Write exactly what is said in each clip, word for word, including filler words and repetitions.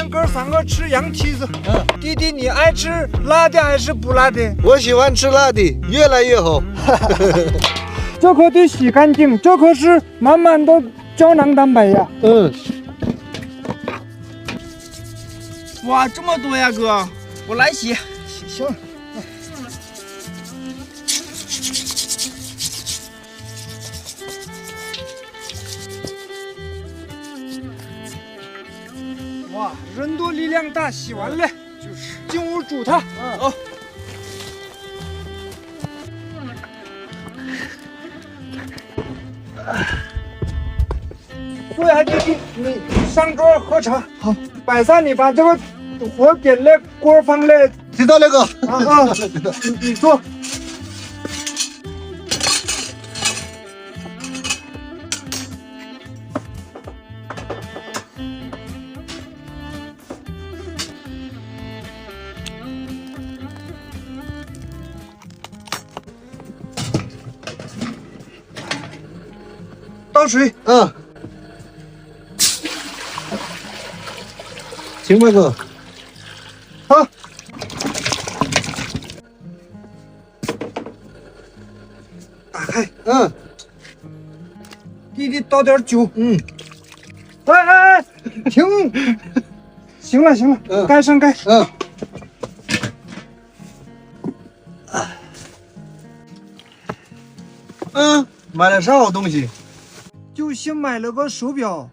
天哥三个吃羊蹄子。嗯，弟弟你爱吃辣的还是不辣的？ 我喜欢吃辣的，越来越好。 这可得洗干净，这可是满满的胶囊蛋白呀。 嗯。 哇，这么多呀，哥，我来洗。 行。哇，人多力量大，洗完了就是进屋煮它。 嗯，好。 对啊，弟弟，你上桌喝茶。好，摆上你把这个火点了，锅放了。 知道那个。 啊啊，你你坐。倒水。 嗯。行吧，哥。 好。打开。 嗯。 弟弟倒点酒。 嗯。 哎哎哎，停！行了行了，嗯、盖上盖。 嗯。嗯，买了啥好东西？ 就新买了个手表。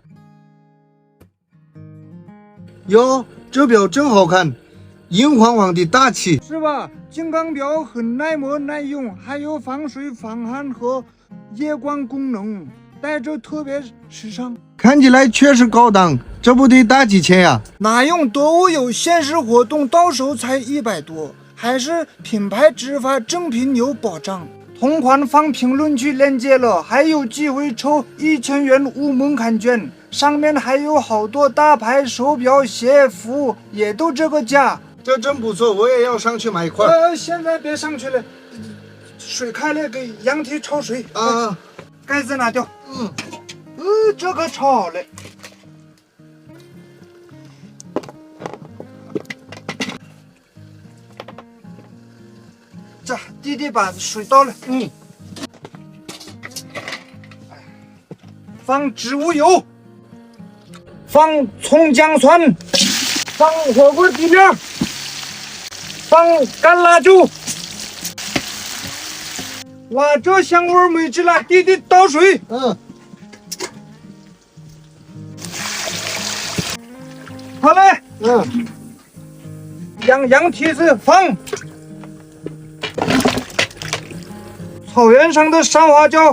哟，这表真好看，银晃晃的大气， 是吧？金刚表很耐磨耐用，还有防水防汗和夜光功能，戴着特别时尚。 看起来确实高档，这不得大几千呀？ 哪用多物有限时活动，到手才一百多，还是品牌执法正品有保障。同款放评论区链接了，还有机会抽一千元无门槛券，上面还有好多大牌手表、鞋服，也都这个价。 这真不错，我也要上去买一块。 呃，现在别上去了，水开了，给羊蹄焯水啊。 盖子拿掉。 嗯， 呃，这个焯好了。这弟弟把水倒了。 嗯。 放植物油，放葱姜蒜，放火锅底料，放干辣椒。哇，这香味没劲了！弟弟倒水。 嗯。 好嘞。 嗯。 羊羊蹄子放。草原上的山花椒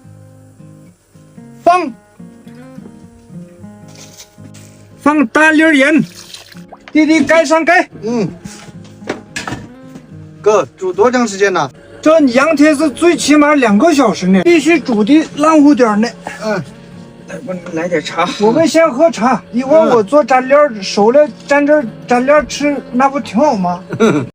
放。放大粒盐。弟弟盖上盖。 嗯。哥，煮多长时间呢？ 这羊蹄子最起码两个小时呢，必须煮的烂乎点呢。 嗯。 我来点茶。 我们先喝茶，一会儿我做蘸料，熟了蘸着蘸料吃，那不挺好吗？